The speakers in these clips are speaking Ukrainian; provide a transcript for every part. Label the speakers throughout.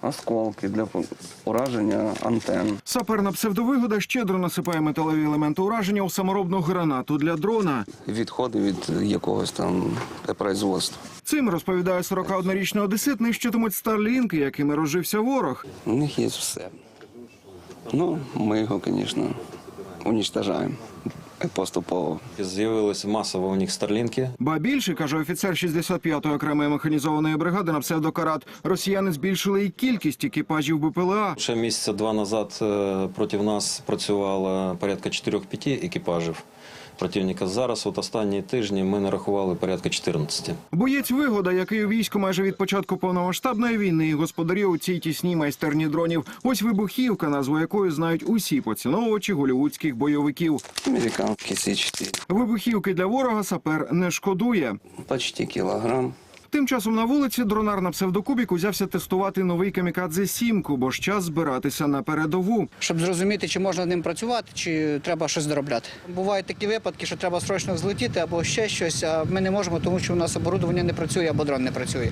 Speaker 1: осколки для ураження антенн.
Speaker 2: Сапер на псевдовигода щедро насипає металеві елементи ураження у саморобну гранату для дрона.
Speaker 1: Відходи від якогось там производства.
Speaker 2: Цим, розповідає 41-річний одесит, нищитимуть старлінки, якими розжився ворог.
Speaker 1: У них є все. Ну, ми його, звісно, уничтожаємо поступово.
Speaker 3: З'явилися масово у них старлінки.
Speaker 2: Ба більше, каже офіцер 65-ї окремої механізованої бригади на псевдокарат, росіяни збільшили і кількість екіпажів БПЛА.
Speaker 3: Ще місяця два назад проти нас працювало порядка 4-5 екіпажів противника. Зараз, от останні тижні, ми нарахували порядка 14.
Speaker 2: Боєць Вигода, який у війську майже від початку повномасштабної війни, і господарює у цій тісній майстерні дронів. Ось вибухівка, назву якої знають усі поціновувачі голлівудських бойовиків.
Speaker 1: Американські С-4.
Speaker 2: Вибухівки для ворога сапер не шкодує.
Speaker 1: Почти кілограм.
Speaker 2: Тим часом на вулиці дронар на псевдокубік узявся тестувати новий камікадзе-7, бо ж час збиратися на передову.
Speaker 4: Щоб зрозуміти, чи можна ним працювати, чи треба щось доробляти. Бувають такі випадки, що треба срочно взлетіти або ще щось, а ми не можемо, тому що у нас оборудовання не працює або дрон не працює.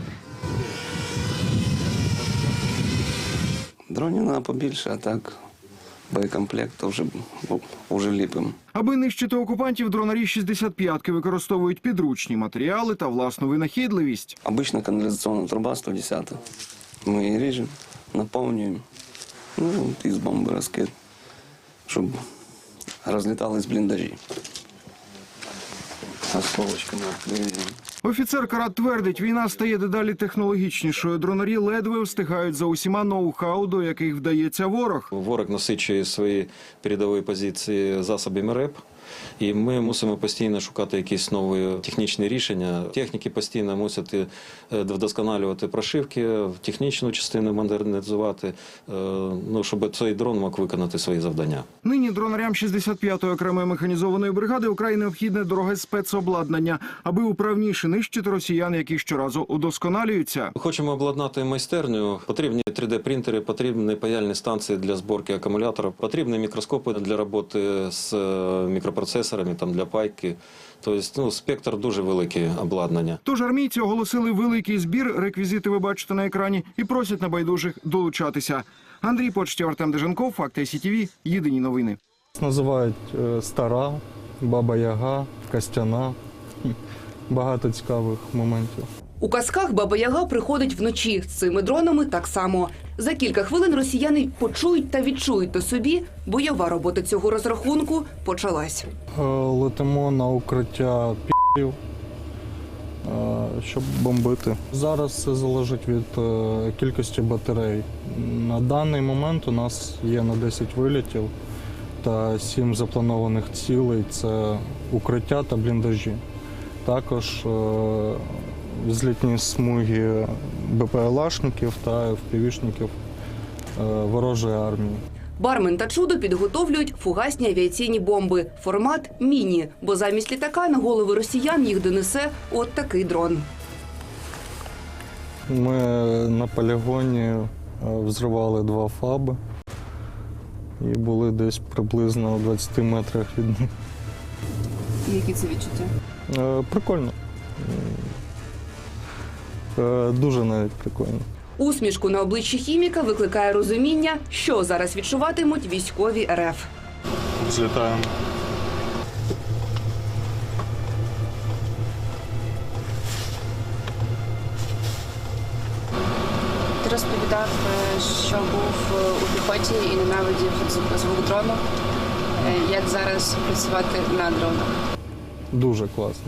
Speaker 1: Дронів треба побільше, а так боєкомплект вже ліпимо.
Speaker 2: Аби нищити окупантів, дронарі 65-ки використовують підручні матеріали та власну винахідливість.
Speaker 1: Обычно канализационная труба 110. Мы ее режем, наполняем, ну, из бомбы раскид, чтобы разлеталось блиндажи. Осколочками отклеиваем.
Speaker 2: Офіцер Карат твердить, війна стає дедалі технологічнішою. Дронарі ледве встигають за усіма ноу-хау, до яких вдається ворог.
Speaker 3: Ворог насичує свої передові позиції засобами РЕП. І ми мусимо постійно шукати якісь нові технічні рішення. Техніки постійно мусять вдосконалювати прошивки, технічну частину модернізувати, щоб цей дрон мог виконати свої завдання.
Speaker 2: Нині дронарям 65-ї окремої механізованої бригади вкрай необхідне дороге спецобладнання, аби управніше нищити росіян, які щоразу удосконалюються.
Speaker 3: Хочемо обладнати майстерню. Потрібні 3D-принтери, потрібні паяльні станції для зборки акумулятора, потрібні мікроскопи для роботи з мікропроцесорами, там, для пайки. Тобто, спектр дуже великий обладнання.
Speaker 2: Тож армійці оголосили великий збір, реквізити ви бачите на екрані, і просять небайдужих долучатися. Андрій Почтєв, Артем Деженков, Факти СІТВ, єдині новини.
Speaker 5: Називають Стара, Баба Яга, Костяна. Багато цікавих моментів.
Speaker 6: У казках Баба Яга приходить вночі. З цими дронами так само. За кілька хвилин росіяни почують та відчують на собі. Бойова робота цього розрахунку почалась.
Speaker 5: Летимо на укриття пі***ів, щоб бомбити. Зараз все залежить від кількості батарей. На даний момент у нас є на 10 вилітів та 7 запланованих цілей – це укриття та бліндажі. Також взлітні смуги БПЛАшників та ФПВ-шників ворожої армії.
Speaker 6: Бармен та чудо підготовлюють фугасні авіаційні бомби. Формат – міні, бо замість літака на голови росіян їх донесе от такий дрон.
Speaker 5: Ми на полігоні взривали 2 ФАБи і були десь приблизно у 20 метрах від них.
Speaker 6: Які це відчуття?
Speaker 5: Прикольно. Дуже навіть прикольно.
Speaker 6: Усмішку на обличчі хіміка викликає розуміння, що зараз відчуватимуть військові РФ.
Speaker 5: Злітаємо.
Speaker 7: Ти розповідав, що був у піхоті і ненавидів звук дрону. Як зараз працювати на дронах?
Speaker 5: Дуже класно.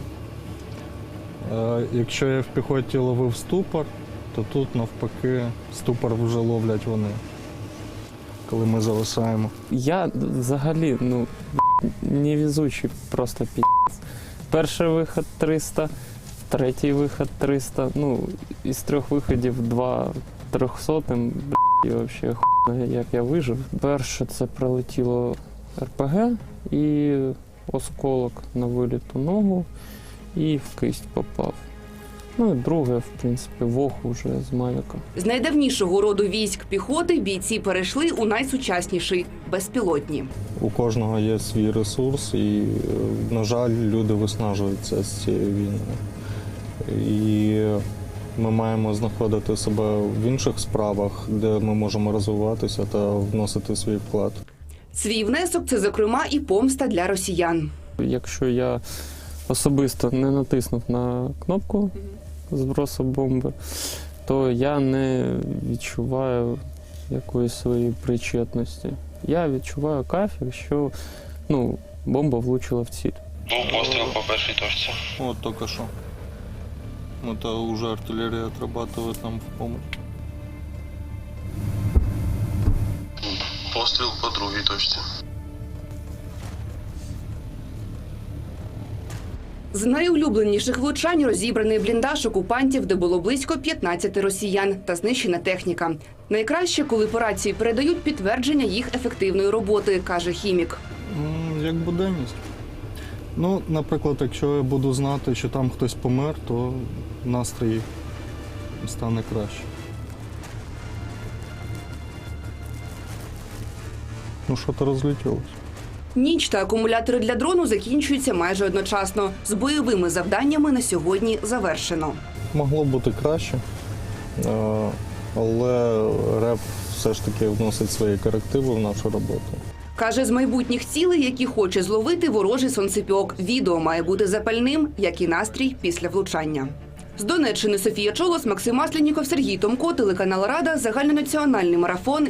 Speaker 5: Якщо я в піхоті ловив ступор, то тут навпаки ступор вже ловлять вони, коли ми зависаємо.
Speaker 8: Я взагалі, невезучий просто пі***ць. Перший вихід 300, третій вихід 300, із 3 виходів 2 300-м, і взагалі хуйно, як я вижив. Перше це прилетіло РПГ і осколок на виліту ногу і в кисть попав. І друге, в принципі, вог уже з Мавіка.
Speaker 6: З найдавнішого роду військ піхоти бійці перейшли у найсучасніший – безпілотні.
Speaker 5: У кожного є свій ресурс і, на жаль, люди виснажуються з цією війною. І Ми маємо знаходити себе в інших справах, де ми можемо розвиватися та вносити свій вклад.
Speaker 6: Свій внесок – це, зокрема, і помста для росіян.
Speaker 8: Якщо я особисто не натиснув на кнопку збросу бомби, то я не відчуваю якоїсь своєї причетності. Я відчуваю кайф, якщо бомба влучила в ціль.
Speaker 9: Був постріл по першій точці.
Speaker 5: От тільки що. Это вже артилерія отрабатывает нам в помощь.
Speaker 9: Постріл по другій точці.
Speaker 6: З найулюбленіших влучань розібраний бліндаж окупантів, де було близько 15 росіян та знищена техніка. Найкраще, коли по рації передають підтвердження їх ефективної роботи, каже хімік.
Speaker 5: Як буденність. Наприклад, якщо я буду знати, що там хтось помер, то настрій стане краще. Що-то розлетілося.
Speaker 6: Ніч та акумулятори для дрону закінчуються майже одночасно. З бойовими завданнями на сьогодні завершено.
Speaker 5: Могло бути краще, але РЕП все ж таки вносить свої корективи в нашу роботу.
Speaker 6: Каже, з майбутніх цілей, які хоче зловити ворожий сонцепьок. Відео має бути запальним, як і настрій після влучання. З Донеччини Софія Чолос, Максим Масленіков, Сергій Томко, телеканал Рада, загальнонаціональний марафон.